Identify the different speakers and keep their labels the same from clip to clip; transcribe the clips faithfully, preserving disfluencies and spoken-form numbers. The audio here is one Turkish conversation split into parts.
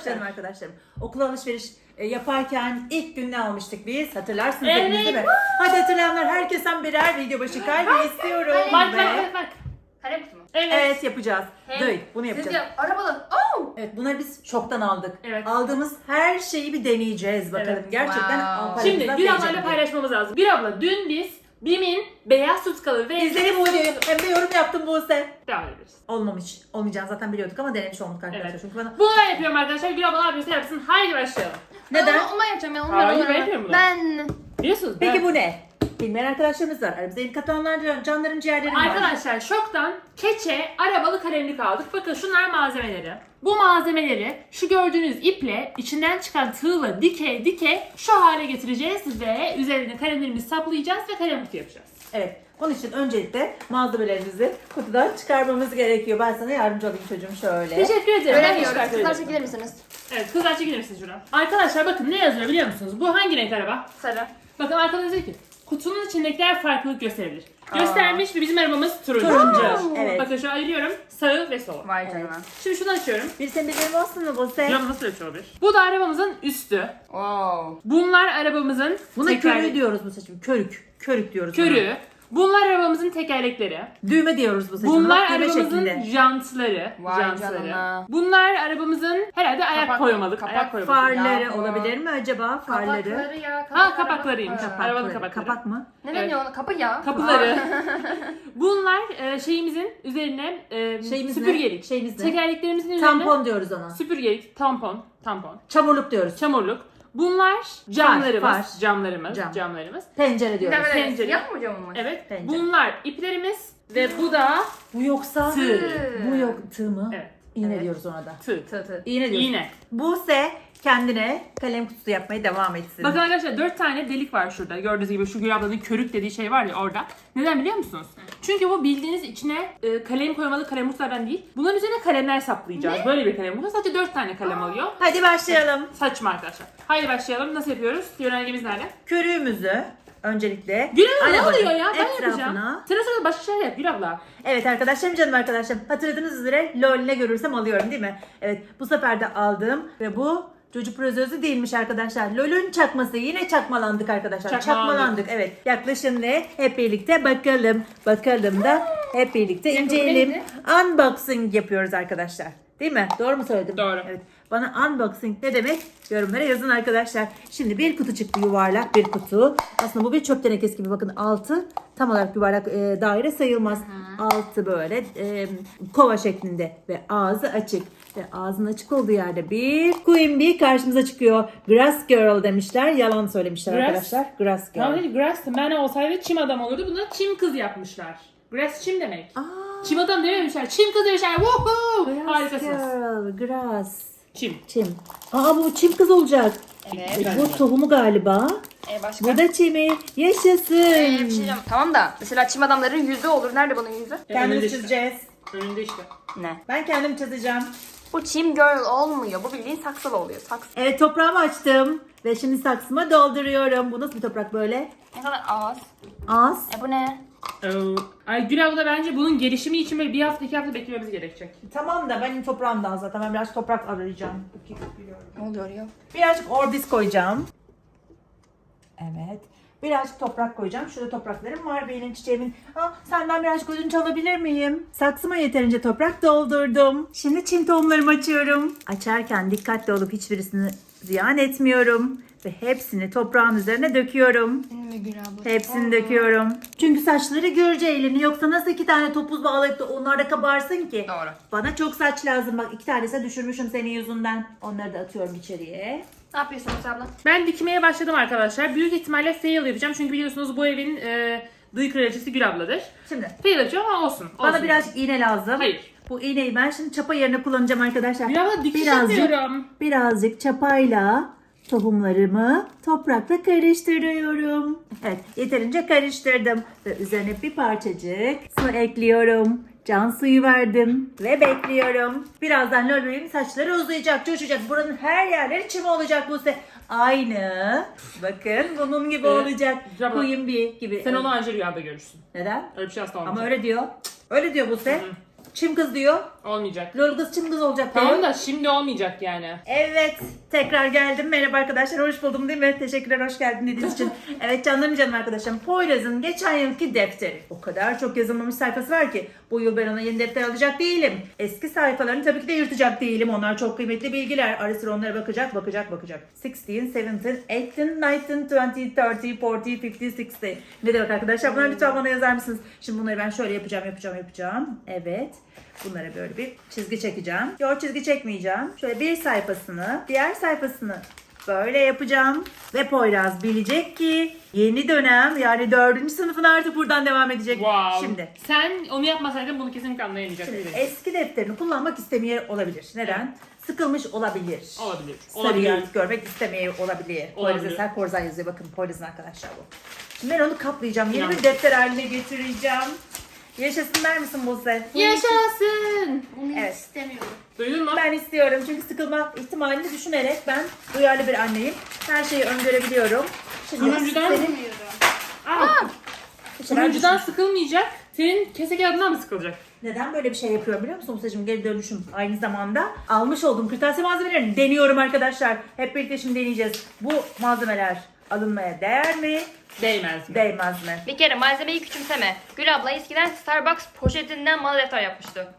Speaker 1: Canım arkadaşlarım. Okul alışveriş e, yaparken ilk gün ne almıştık biz? Hatırlarsınız
Speaker 2: Evet.
Speaker 1: hepiniz değil mi? Hadi hatırlayanlar herkesten birer video başı kalbi istiyorum.
Speaker 2: Bak
Speaker 1: ve...
Speaker 2: bak bak bak.
Speaker 3: Kalem kutu mu?
Speaker 2: Evet.
Speaker 1: Evet yapacağız.
Speaker 2: Hem-
Speaker 1: Duy, bunu
Speaker 3: Siz
Speaker 1: yapacağız.
Speaker 3: de arabalı. Oh!
Speaker 1: Evet bunları biz şoktan aldık.
Speaker 2: Evet.
Speaker 1: Aldığımız her şeyi bir deneyeceğiz bakalım.
Speaker 2: Evet.
Speaker 1: Gerçekten
Speaker 3: Wow.
Speaker 1: Ankara'mızdan
Speaker 2: Şimdi bir
Speaker 1: değecek
Speaker 2: ablayla
Speaker 1: mi?
Speaker 2: paylaşmamız lazım. Bir abla dün biz Bim'in beyaz tutkalı ve
Speaker 1: İzledim bu videoyu. Hem de yorum yaptım Buse.
Speaker 2: devam ederiz.
Speaker 1: Olmamış. Olmayacağını zaten biliyorduk ama denemiş olduk arkadaşlar.
Speaker 2: Evet.
Speaker 1: Çünkü bana...
Speaker 2: Bunu ben yapıyorum arkadaşlar. Bir abla ne yapıyorsa yapsın. Haydi başlayalım.
Speaker 1: Neden?
Speaker 3: Onu, onu ben yapacağım ya. Onu
Speaker 2: Hayır,
Speaker 3: ben,
Speaker 2: ben yapıyorum bunu.
Speaker 3: Ben.
Speaker 2: Biliyorsunuz
Speaker 1: Peki
Speaker 2: ben...
Speaker 1: bu ne? Bilmeyen arkadaşlarımız var. Aramızda ilk katılanlar canların ciğerleri var.
Speaker 2: Arkadaşlar şoktan keçe arabalı kalemlik aldık. Bakın şunlar malzemeleri. Bu malzemeleri şu gördüğünüz iple içinden çıkan tığla dike dike şu hale getireceğiz ve üzerine kalemlerimizi saplayacağız ve kalem kutu yapacağız.
Speaker 1: Evet. Onun için öncelikle malzemelerimizi kutudan çıkarmamız gerekiyor. Ben sana yardımcı olayım çocuğum şöyle.
Speaker 2: Teşekkür ederim. Ben
Speaker 3: Göremiyoruz.
Speaker 2: çıkartı
Speaker 3: Kızlar
Speaker 2: ederim.
Speaker 3: çekilir misiniz?
Speaker 2: Evet kızlar çekilir misiniz şuradan? Arkadaşlar bakın ne yazıyor biliyor musunuz? Bu hangi renk araba?
Speaker 3: Sarı.
Speaker 2: Bakın arkada diyor ki kutunun içindekiler farklılık gösterebilir. Göstermiş ve bizim arabamız turuncu.
Speaker 1: Turuncu.
Speaker 2: Aa!
Speaker 1: Evet.
Speaker 2: Bakın şu ayırıyorum. Sağı ve solu.
Speaker 3: Vay canına.
Speaker 2: Şimdi şunu açıyorum.
Speaker 1: Bir senin bildiğin olsun mu Buse?
Speaker 2: Cam nasıl açıyor bir? Bu da arabamızın üstü.
Speaker 3: Wow.
Speaker 2: Bunlar arabamızın
Speaker 1: Buna
Speaker 2: teker-
Speaker 1: körüğü diyoruz bu seçim. Körük. Körük diyoruz.
Speaker 2: körüğü. Bunlar arabamızın tekerlekleri.
Speaker 1: buna. Düğme diyoruz bu seçim.
Speaker 2: Bunlar
Speaker 1: Bak, düğme
Speaker 2: arabamızın
Speaker 1: şeklinde.
Speaker 2: jantları.
Speaker 3: Vay
Speaker 2: jantları.
Speaker 3: canına.
Speaker 2: Bunlar arabamızın herhalde ayak
Speaker 3: Kapak-
Speaker 2: koymalık.
Speaker 3: kapak
Speaker 2: ayak koymalık.
Speaker 1: Farları
Speaker 3: Ya bu.
Speaker 1: olabilir mi acaba? Farları.
Speaker 3: Kapakları ya.
Speaker 2: Ha kapaklarıymış.
Speaker 3: Ha.
Speaker 2: Arabanın
Speaker 1: Kapakları.
Speaker 2: kapakları.
Speaker 1: Kapak mı?
Speaker 3: Ne
Speaker 2: Evet.
Speaker 3: deniyor ona? Kapı ya.
Speaker 2: Kapıları. Bunlar e, şeyimizin üzerine e,
Speaker 1: Şeyimiz ne?
Speaker 2: süpürgelik.
Speaker 1: Şeyimiz ne?
Speaker 2: Tekerleklerimizin üzerine
Speaker 1: Tampon diyoruz ona.
Speaker 2: süpürgelik, tampon, tampon,
Speaker 1: Çamurluk diyoruz.
Speaker 2: çamurluk. Bunlar camlarımız,
Speaker 1: far.
Speaker 2: camlarımız,
Speaker 1: Cam.
Speaker 2: camlarımız.
Speaker 1: Pencere diyoruz.
Speaker 3: Demeden
Speaker 2: Pencere.
Speaker 3: siyah mı camı mı?
Speaker 2: Evet.
Speaker 1: Pencere.
Speaker 2: Bunlar iplerimiz ve bu da
Speaker 1: Bu yoksa
Speaker 2: tığ.
Speaker 1: bu yok tığ mı?
Speaker 2: Evet.
Speaker 1: İğne
Speaker 3: Evet.
Speaker 1: diyoruz ona da.
Speaker 2: Tığ.
Speaker 3: Tı tı.
Speaker 1: İğne diyoruz.
Speaker 2: İğne.
Speaker 1: Buse kendine kalem kutusu yapmaya devam etsin.
Speaker 2: Bakın arkadaşlar dört tane delik var şurada. Gördüğünüz gibi şu Gül ablanın körük dediği şey var ya orada. Neden biliyor musunuz? Çünkü bu bildiğiniz içine e, kalem koymalı kalem kutulardan değil. Bunların üzerine kalemler saplayacağız. Böyle bir kalem kutu. Sadece dört tane kalem alıyor.
Speaker 1: Hadi başlayalım.
Speaker 2: Saçma arkadaşlar. Haydi başlayalım. Nasıl yapıyoruz? Yönergemiz nerede?
Speaker 1: Körüğümüzü öncelikle
Speaker 2: Gül abla ne
Speaker 1: arabanın
Speaker 2: oluyor ya? Ben
Speaker 1: etrafına-
Speaker 2: yapacağım. Sıra sıra başka şeyler yap Gül abla.
Speaker 1: Evet arkadaşlarım, canım arkadaşlarım, hatırladığınız üzere LOL ne görürsem alıyorum değil mi? Evet, bu sefer de aldım ve bu çocuk prozözü değilmiş arkadaşlar. LOL'ün çakması. Yine çakmalandık arkadaşlar.
Speaker 2: Çakmalandık.
Speaker 1: Çakmalandık. Evet. Yaklaşın ve hep birlikte bakalım. Bakalım da hep birlikte inceleyelim.
Speaker 3: neydi?
Speaker 1: Unboxing yapıyoruz arkadaşlar. Değil mi? Doğru mu söyledim?
Speaker 2: Doğru.
Speaker 1: Evet. Bana unboxing ne demek? Yorumlara yazın arkadaşlar. Şimdi bir kutu çıktı, yuvarlak bir kutu. Aslında bu bir çöp tenekesi gibi. Bakın altı tam olarak yuvarlak e, daire sayılmaz. Altı böyle e, kova şeklinde ve ağzı açık. Ve ağzının açık olduğu yerde bir Queen Bee karşımıza çıkıyor. Grass Girl demişler. Yalan söylemişler
Speaker 2: Grass-
Speaker 1: arkadaşlar. Grass Girl.
Speaker 2: Tamam değil, grass man olsaydı çim adam olurdu. Buna çim kız yapmışlar. Grass çim demek.
Speaker 1: Aa,
Speaker 2: Çim adam dememişler. Çim kız demişler. Woohoo!
Speaker 1: Grass
Speaker 2: Harikasınız.
Speaker 1: Girl. Grass.
Speaker 2: Çim.
Speaker 1: Çim. Aa, bu çim kız olacak.
Speaker 3: Evet.
Speaker 1: E, bu tohumu galiba.
Speaker 3: E başka?
Speaker 1: Bu da çimi. Yaşasın.
Speaker 3: Ee, bir şey diyeceğim. Tamam da mesela çim adamların yüzü olur. Nerede bunun yüzü?
Speaker 2: Önünde
Speaker 1: Kendimiz
Speaker 2: işte.
Speaker 1: çizeceğiz.
Speaker 2: Önünde işte.
Speaker 3: Ne?
Speaker 1: Ben kendim çizeceğim.
Speaker 3: Bu çim girl olmuyor. Bu bildiğin saksılı oluyor. Saksı.
Speaker 1: Evet, toprağımı açtım. Ve şimdi saksıma dolduruyorum. Bu nasıl bir toprak böyle?
Speaker 3: Ne kadar az.
Speaker 1: Az.
Speaker 3: E bu ne?
Speaker 2: Ee, Ay Gül abla bence bunun gelişimi için böyle bir hafta iki hafta beklememiz gerekecek.
Speaker 1: Tamam da benim toprağımdan zaten. Ben biraz toprak arayacağım.
Speaker 3: Ne oluyor ya?
Speaker 1: Birazcık orbis koyacağım. Evet. Birazcık toprak koyacağım. Şurada topraklarım var benim çiçeğimin. Ha, senden birazcık ödünç alabilir miyim? Saksıma yeterince toprak doldurdum. Şimdi çim tohumlarımı açıyorum. Açarken dikkatli olup hiçbirisini ziyan etmiyorum. Ve hepsini toprağın üzerine döküyorum.
Speaker 3: Ne Gül abla?
Speaker 1: Hepsini döküyorum. Çünkü saçları görece eğleniyor. Yoksa nasıl iki tane topuz bağlayıp da onlar da kabarsın ki?
Speaker 3: Doğru.
Speaker 1: Bana çok saç lazım. Bak iki tanesini düşürmüşüm senin yüzünden. Onları da atıyorum içeriye.
Speaker 3: Ne yapıyorsun Musa abla?
Speaker 2: Ben dikmeye başladım arkadaşlar. Büyük ihtimalle fail yapacağım. Çünkü biliyorsunuz bu evin e, dıy kraliçesi Gül abladır.
Speaker 1: Şimdi
Speaker 2: Fail yapacağım ama olsun.
Speaker 1: bana
Speaker 2: olsun.
Speaker 1: birazcık iğne lazım.
Speaker 2: Hayır.
Speaker 1: Bu iğneyi ben şimdi çapa yerine kullanacağım arkadaşlar.
Speaker 2: Gül abla dikiş
Speaker 1: birazcık,
Speaker 2: yapıyorum.
Speaker 1: birazcık çapayla tohumlarımı toprakla karıştırıyorum. Evet, yeterince karıştırdım. Ve üzerine bir parçacık su ekliyorum. Can suyu verdim ve bekliyorum. Birazdan Lol bebeğimin saçları uzayacak, coşacak. Buranın her yerleri çim olacak bu se. Aynı. Bakın bunun gibi
Speaker 2: Evet.
Speaker 1: olacak.
Speaker 2: Güzel bak.
Speaker 1: Queen Bee gibi.
Speaker 2: Sen onu anca rüyada görürsün.
Speaker 1: Neden?
Speaker 2: Öyle bir şey asla olmayacak.
Speaker 1: Ama öyle diyor. Öyle diyor Buse. Çim kız diyor.
Speaker 2: Olmayacak.
Speaker 1: Lol kız çim kız olacak diyor.
Speaker 2: Tamam da şimdi olmayacak yani.
Speaker 1: Evet, tekrar geldim. Merhaba arkadaşlar, hoş buldum değil mi? Teşekkürler, hoş geldin dediğiniz için. Evet canlarım canım arkadaşlarım. Poyraz'ın geçen yılki defteri. O kadar çok yazılmamış sayfası var ki bu yıl ben ona yeni defter alacak değilim. Eski sayfalarını tabii ki de yırtacak değilim. Onlar çok kıymetli bilgiler. Ara sıra onlara bakacak, bakacak, bakacak. on, on, seventeen, eighteen, nineteen, twenty, forty, fifty, sixty. Ne demek arkadaşlar? Bunları lütfen bana yazar mısınız? Şimdi bunları ben şöyle yapacağım, yapacağım, yapacağım. Evet. Bunlara böyle bir çizgi çekeceğim. Yok, çizgi çekmeyeceğim. Şöyle bir sayfasını, diğer sayfasını böyle yapacağım. Ve Poyraz bilecek ki yeni dönem, yani dördüncü sınıfın artık buradan devam edecek.
Speaker 2: Wow.
Speaker 1: Şimdi.
Speaker 2: Sen onu yapmasaydın bunu kesinlikle anlayamayacak.
Speaker 1: Şimdi
Speaker 2: Şimdi,
Speaker 1: eski defterini kullanmak istemiyor olabilir. Neden?
Speaker 2: Evet.
Speaker 1: Sıkılmış olabilir.
Speaker 2: Olabilir.
Speaker 1: Sarı
Speaker 2: Olabilir.
Speaker 1: yazı görmek istemiyor olabilir. Poyraz
Speaker 2: Olabilir.
Speaker 1: Eser Korzan yazıyor. Bakın Poyraz'ın arkadaşlar bu. Şimdi ben onu kaplayacağım. Yeni
Speaker 2: İnan.
Speaker 1: bir defter haline getireceğim. Yaşasın der misin Buse?
Speaker 2: Yaşasın.
Speaker 4: Onu
Speaker 1: Evet.
Speaker 4: istemiyorum.
Speaker 2: Duydun mu?
Speaker 1: Ben istiyorum çünkü sıkılma ihtimalini düşünerek ben duyarlı bir anneyim. Her şeyi öngörebiliyorum. Şimdi
Speaker 2: Turuncudan-
Speaker 1: senin
Speaker 4: Bilmiyorum.
Speaker 2: Aa,
Speaker 1: bir şeyler
Speaker 2: turuncudan
Speaker 1: düşün-
Speaker 2: sıkılmayacak. Senin kese kağıdından mı sıkılacak?
Speaker 1: Neden böyle bir şey yapıyorum biliyor musun Buse'cim? Geri dönüşüm. Aynı zamanda almış olduğum kırtasiye malzemelerini deniyorum arkadaşlar. Hep birlikte şimdi deneyeceğiz. Bu malzemeler alınmaya değer mi?
Speaker 2: Değmez mi?
Speaker 1: Değmez mi?
Speaker 3: Bir kere malzemeyi küçümseme. Gül abla eskiden Starbucks poşetinden bana defter yapmıştı.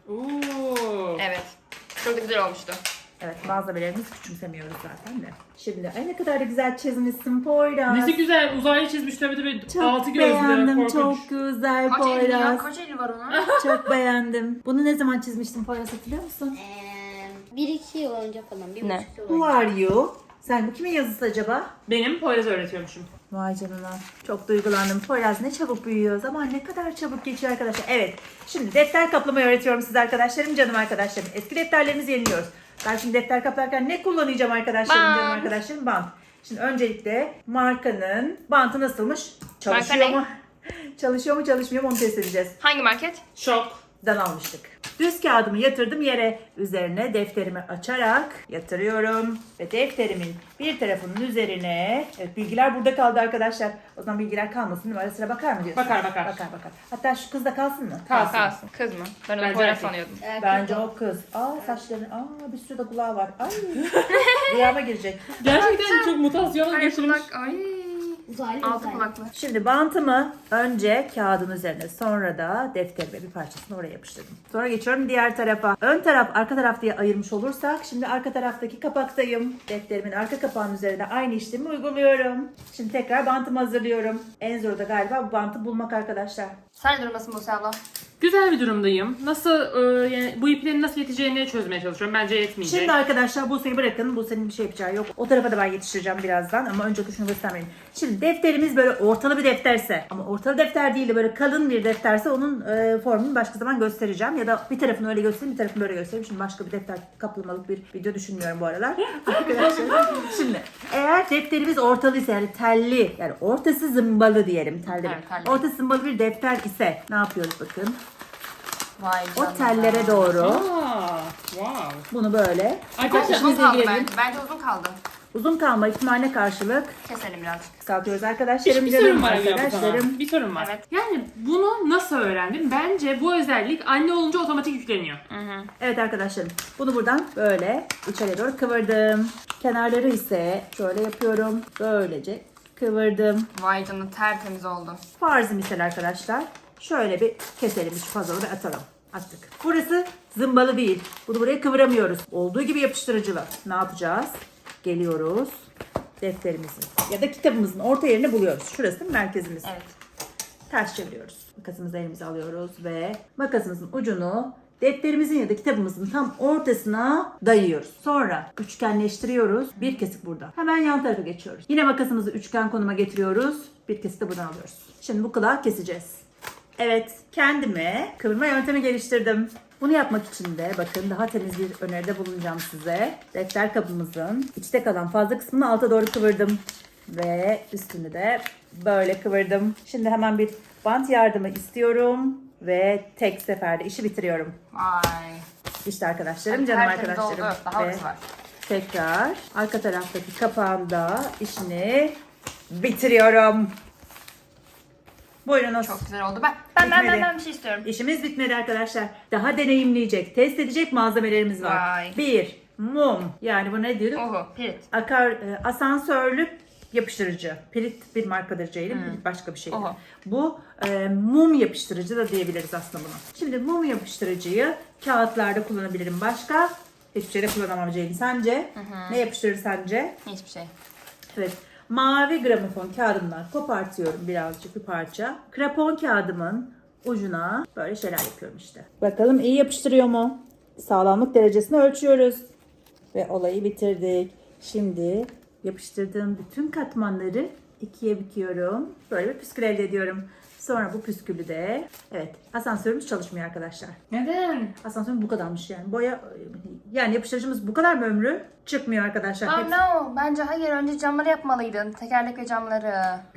Speaker 2: Oo.
Speaker 3: Evet. Çok da güzel olmuştu.
Speaker 1: Evet, malzemelerimizi küçümsemiyoruz zaten de. Şimdi ay ne kadar da güzel çizmişsin Poyraz.
Speaker 2: Nesi güzel uzaylı çizmiş tabii tabii.
Speaker 1: Çok
Speaker 2: Altı gözlü.
Speaker 1: beğendim,
Speaker 2: korkunç.
Speaker 1: çok güzel
Speaker 3: Kaç eli ya?
Speaker 1: Poyraz.
Speaker 3: Kaç eli var ona?
Speaker 1: Çok beğendim. Bunu ne zaman çizmiştin Poyraz, hatırlıyor musun?
Speaker 4: Ee, bir iki yıl önce falan. Bir
Speaker 3: Ne?
Speaker 4: buçuk yıl
Speaker 1: Who
Speaker 4: önce.
Speaker 1: are you? Sen bu kimin yazısı acaba?
Speaker 2: Benim Poyraz öğretiyormuşum.
Speaker 1: Vay canına. Çok duygulandım. Poyraz ne çabuk büyüyor. Zaman ne kadar çabuk geçiyor arkadaşlar. Evet. Şimdi defter kaplamayı öğretiyorum size arkadaşlarım, canım arkadaşlarım. Eski defterlerimizi yeniliyoruz. Ben şimdi defter kaplarken ne kullanacağım arkadaşlarım,
Speaker 3: Bant.
Speaker 1: canım arkadaşlarım? Bant. Şimdi öncelikle markanın bantı nasılmış? Çalışıyor
Speaker 3: Marka ne?
Speaker 1: mu? Çalışıyor mu çalışmıyor mu onu test edeceğiz.
Speaker 3: Hangi market?
Speaker 2: Şok.
Speaker 1: Dan almıştık. Düz kağıdımı yatırdım yere. Üzerine defterimi açarak yatırıyorum. Ve defterimin bir tarafının üzerine... Evet, bilgiler burada kaldı arkadaşlar. O zaman bilgiler kalmasın değil mi? Ara sıra bakar mı diyorsun?
Speaker 2: Bakar, bakar.
Speaker 1: Bakar bakar. Hatta şu kız da kalsın mı?
Speaker 2: Kalsın.
Speaker 3: Kalsın. Kız mı? Ben onu
Speaker 2: Bence
Speaker 3: Poyraz
Speaker 2: erkek.
Speaker 3: sanıyordum.
Speaker 4: Erkek
Speaker 1: Bence
Speaker 4: o.
Speaker 1: o kız. Aa saçları. Aa bir sürü de kulağı var. Ay. Rüyama girecek.
Speaker 2: Gerçekten çok mutasyona
Speaker 3: Ay
Speaker 2: geçirmiş.
Speaker 3: kulak. Ay.
Speaker 4: Uzaylı
Speaker 3: Altı
Speaker 4: uzaylı.
Speaker 3: kulaklı.
Speaker 1: Şimdi bantımı önce kağıdın üzerine, sonra da defterime bir parçasını oraya yapıştırdım. Sonra geçiyorum diğer tarafa. Ön taraf, arka taraf diye ayırmış olursak şimdi arka taraftaki kapaktayım. Defterimin arka kapağının üzerine aynı işlemi uyguluyorum. Şimdi tekrar bantımı hazırlıyorum. En zoru da galiba bu bantı bulmak arkadaşlar.
Speaker 3: Sen ne durumdasın Buse abla?
Speaker 2: Güzel bir durumdayım. Nasıl e, yani bu iplerin nasıl yeteceğini çözmeye çalışıyorum. Bence yetmeyecek.
Speaker 1: Şimdi arkadaşlar Buse'yi bırakın. Buse'nin bir şey yapacağı yok. O tarafa da ben yetiştireceğim birazdan ama önce şunu göstermeliyim. Şimdi defterimiz böyle ortalı bir defterse ama ortalı defter değil de böyle kalın bir defterse onun e, formunu başka zaman göstereceğim. Ya da bir tarafını öyle göstereyim, bir tarafını böyle göstereyim. Şimdi başka bir defter kaplamalık bir video düşünmüyorum bu aralar. Arkadaşlar şimdi eğer defterimiz ortalıysa yani telli, yani ortası zımbalı diyelim telli.
Speaker 3: Evet, telli.
Speaker 1: Ortası zımbalı bir defter ise ne yapıyoruz bakın.
Speaker 3: Vay
Speaker 1: O
Speaker 3: canına.
Speaker 1: tellere doğru
Speaker 2: Aa, wow.
Speaker 1: bunu böyle
Speaker 2: Arkadaşlar
Speaker 3: Uzun
Speaker 1: İşinize
Speaker 3: kaldı
Speaker 1: girelim.
Speaker 3: bence. Bence uzun kaldı.
Speaker 1: uzun kalma ihtimaline karşılık
Speaker 3: Keselim birazcık.
Speaker 1: kısaltıyoruz
Speaker 2: bir,
Speaker 1: arkadaşlarım.
Speaker 2: bir
Speaker 1: canım
Speaker 2: sorun var Gülabla
Speaker 1: arkadaşlarım.
Speaker 2: sana. Bir sorun var.
Speaker 3: Evet.
Speaker 2: Yani bunu nasıl öğrendim? Bence bu özellik anne olunca otomatik yükleniyor.
Speaker 3: Hı hı.
Speaker 1: Evet arkadaşlarım. Bunu buradan böyle içeriye doğru kıvırdım. Kenarları ise şöyle yapıyorum. Böylece kıvırdım.
Speaker 3: Vay canına tertemiz oldu.
Speaker 1: Farzı misal arkadaşlar. Şöyle bir keselim şu puzzle'ı ve atalım. Attık. Burası zımbalı değil. Bunu buraya kıvıramıyoruz. Olduğu gibi yapıştırıcılı. Ne yapacağız? Geliyoruz. Defterimizin ya da kitabımızın orta yerini buluyoruz. Şurası merkezimiz.
Speaker 3: Evet.
Speaker 1: Ters çeviriyoruz. Makasımızı elimize alıyoruz ve makasımızın ucunu defterimizin ya da kitabımızın tam ortasına dayıyoruz. Sonra üçgenleştiriyoruz. Bir kesik burada. Hemen yan tarafa geçiyoruz. Yine makasımızı üçgen konuma getiriyoruz. Bir kesik de buradan alıyoruz. Şimdi bu kulağı keseceğiz. Evet, kendime kıvırma yöntemi geliştirdim. Bunu yapmak için de bakın daha temiz bir öneride bulunacağım size. Defter kapımızın içte kalan fazla kısmını alta doğru kıvırdım. Ve üstünü de böyle kıvırdım. Şimdi hemen bir bant yardımı istiyorum. Ve tek seferde işi bitiriyorum.
Speaker 3: Vay.
Speaker 1: İşte arkadaşlarım,
Speaker 3: Ay,
Speaker 1: canım
Speaker 3: tertemiz
Speaker 1: arkadaşlarım.
Speaker 3: oldu. Daha
Speaker 1: Ve
Speaker 3: hızlı var.
Speaker 1: tekrar arka taraftaki kapağında işini bitiriyorum. Buyurunuz.
Speaker 3: Çok güzel oldu. Ben ben ben ben,
Speaker 1: Bitmedi.
Speaker 3: ben bir şey istiyorum.
Speaker 1: İşimiz bitmedi arkadaşlar. Daha deneyimleyecek, test edecek malzemelerimiz var.
Speaker 3: Vay.
Speaker 1: Bir, mum. Yani bu ne diyorduk?
Speaker 3: Oho, pirit.
Speaker 1: Akar, e, asansörlü yapıştırıcı. Pirit bir markadır Ceylin. Pirit başka bir şey.
Speaker 3: Oho.
Speaker 1: Bu e, mum yapıştırıcı da diyebiliriz aslında buna. Şimdi mum yapıştırıcıyı kağıtlarda kullanabilirim. Başka hiçbir şeyde kullanamam Ceylin. Sence? Ne yapıştırır sence?
Speaker 3: Hiçbir şey.
Speaker 1: Evet. Mavi gramofon kağıdımdan kopartıyorum birazcık bir parça. Krapon kağıdımın ucuna böyle şeyler yapıyorum işte. Bakalım iyi yapıştırıyor mu? Sağlamlık derecesini ölçüyoruz. Ve olayı bitirdik. Şimdi yapıştırdığım bütün katmanları ikiye büküyorum. Böyle bir püskül elde ediyorum. Sonra bu püskülü de, evet, asansörümüz çalışmıyor arkadaşlar.
Speaker 2: Neden?
Speaker 1: Asansörümüz bu kadarmış yani. Boya, yani yapıştırıcımız bu kadar mı ömrü? Çıkmıyor arkadaşlar.
Speaker 3: Oh
Speaker 1: Hepsi-
Speaker 3: no. Bence hayır. Önce camları yapmalıydın. Tekerlek ve camları.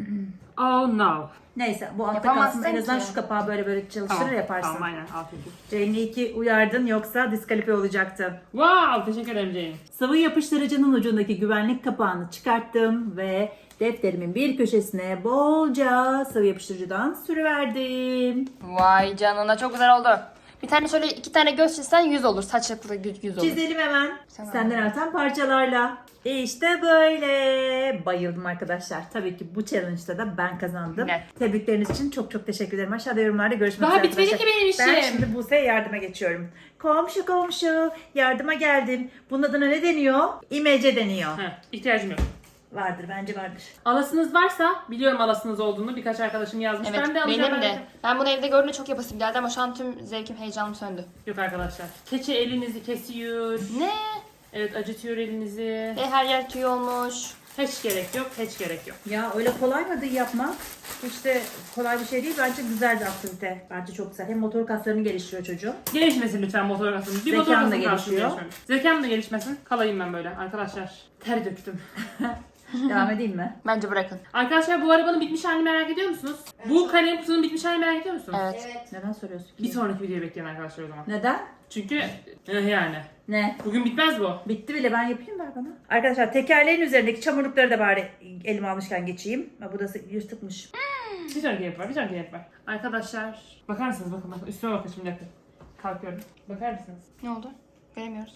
Speaker 2: Oh no.
Speaker 1: Neyse bu altta
Speaker 3: Yapamazsın
Speaker 1: kalsın. En azından
Speaker 3: ki.
Speaker 1: şu kapağı böyle böyle çalıştırır
Speaker 2: Tamam,
Speaker 1: yaparsın.
Speaker 2: tamam aynen. Afiyet olsun.
Speaker 1: Jane'i iyi ki uyardın yoksa diskalifiye olacaktı.
Speaker 2: Wow, teşekkür ederim Jane.
Speaker 1: Sıvı yapıştırıcının ucundaki güvenlik kapağını çıkarttım ve defterimin bir köşesine bolca sıvı yapıştırıcıdan sürüverdim.
Speaker 3: Vay canına, çok güzel oldu. Bir tane şöyle iki tane göz çizsen yüz olur. Saçlıklı yüz yüz olur.
Speaker 1: Çizelim hemen.
Speaker 3: Tamam.
Speaker 1: Senden artan parçalarla. İşte böyle. Bayıldım arkadaşlar. Tabii ki bu challenge'da da ben kazandım.
Speaker 3: Net.
Speaker 1: Tebrikleriniz için çok çok teşekkür ederim. Aşağıda yorumlarda görüşmek
Speaker 2: Daha
Speaker 1: üzere
Speaker 2: bitmedi
Speaker 1: arkadaşlar.
Speaker 2: ki benim işim.
Speaker 1: Ben şimdi Buse'ye yardıma geçiyorum. Komşu komşu yardıma geldim. Bunun adına ne deniyor? İmece deniyor.
Speaker 2: Heh, ihtiyacım yok.
Speaker 1: Vardır bence vardır.
Speaker 2: Alasınız varsa, biliyorum alasınız olduğunu, birkaç arkadaşım yazmış.
Speaker 3: Evet,
Speaker 2: ben de alacağım.
Speaker 3: benim
Speaker 2: ben
Speaker 3: de. Ben bunu evde gördüğümde çok yapasım geldi ama şu an tüm zevkim, heyecanım söndü.
Speaker 2: Yok arkadaşlar. Keçe elinizi kesiyor.
Speaker 3: Ne?
Speaker 2: Evet, acıtıyor elinizi.
Speaker 3: Ve her yer tüy olmuş.
Speaker 2: Hiç gerek yok, hiç gerek yok.
Speaker 1: Ya öyle kolay mı yapmak? İşte kolay bir şey değil. Bence güzel bir aktivite. Bence çok güzel. Hem motor kaslarını geliştiriyor çocuğun.
Speaker 2: Gelişmesin lütfen motor kasım. Bir
Speaker 1: Zekan
Speaker 2: motor
Speaker 1: da
Speaker 2: kasım kalsın
Speaker 1: gelişiyor.
Speaker 2: gelişmemiş. Zekam da gelişmesin. Kalayım ben böyle arkadaşlar. Ter döktüm.
Speaker 1: Devam edeyim mi?
Speaker 3: Bence bırakın.
Speaker 2: Arkadaşlar bu arabanın bitmiş halini merak ediyor musunuz? Bu kalem kutunun bitmiş halini merak ediyor musunuz?
Speaker 3: Evet.
Speaker 4: Evet.
Speaker 1: Neden soruyorsun ki?
Speaker 2: Bir sonraki videoyu bekleyin arkadaşlar o zaman.
Speaker 1: Neden?
Speaker 2: Çünkü eh, yani.
Speaker 1: Ne?
Speaker 2: Bugün bitmez bu.
Speaker 1: Bitti bile, ben yapayım ver bana. Arkadaşlar tekerleğin üzerindeki çamurlukları da bari elime almışken geçeyim. Ha, bu da yırtıkmış.
Speaker 2: Bir sonraki yapar, bir sonraki yapar. Arkadaşlar bakar mısınız bakın bakın üstüme bakın şimdi yakın. Kalkıyorum. Bakar mısınız?
Speaker 3: Ne oldu? Göremiyoruz.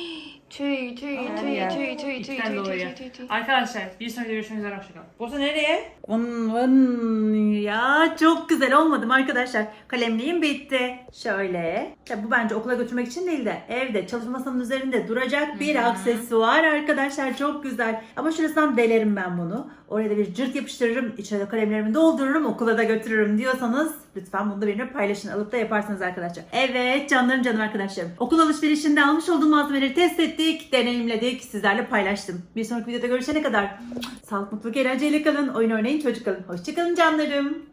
Speaker 3: Tüy, tüy,
Speaker 1: Her
Speaker 3: tüy,
Speaker 1: yer.
Speaker 3: tüy, tüy, tüy,
Speaker 2: İpten
Speaker 3: tüy,
Speaker 2: dolayı.
Speaker 3: tüy, tüy, tüy.
Speaker 2: Arkadaşlar bir sonraki görüşmek üzere hoşçakalın.
Speaker 1: Bursa nereye? Vın vın. Ya çok güzel olmadı mı arkadaşlar? Kalemliğim bitti. Şöyle. Ya bu bence okula götürmek için değil de evde çalışmasının üzerinde duracak bir aksesuar arkadaşlar. Çok güzel. Ama şurasından delerim ben bunu. Oraya da bir cırt yapıştırırım. İçine de kalemlerimi doldururum. Okula da götürürüm diyorsanız lütfen bunu da benimle paylaşın. Alıp da yaparsınız arkadaşlar. Evet canlarım canım arkadaşlarım. Okul alışverişinde almış olduğum malzemeleri test ettik. Deneyimledik. Sizlerle paylaştım. Bir sonraki videoda görüşene kadar sağlık, mutluluk, eğlenceyle kalın. Oyun oynayın, çocuk kalın. Hoşçakalın canlarım.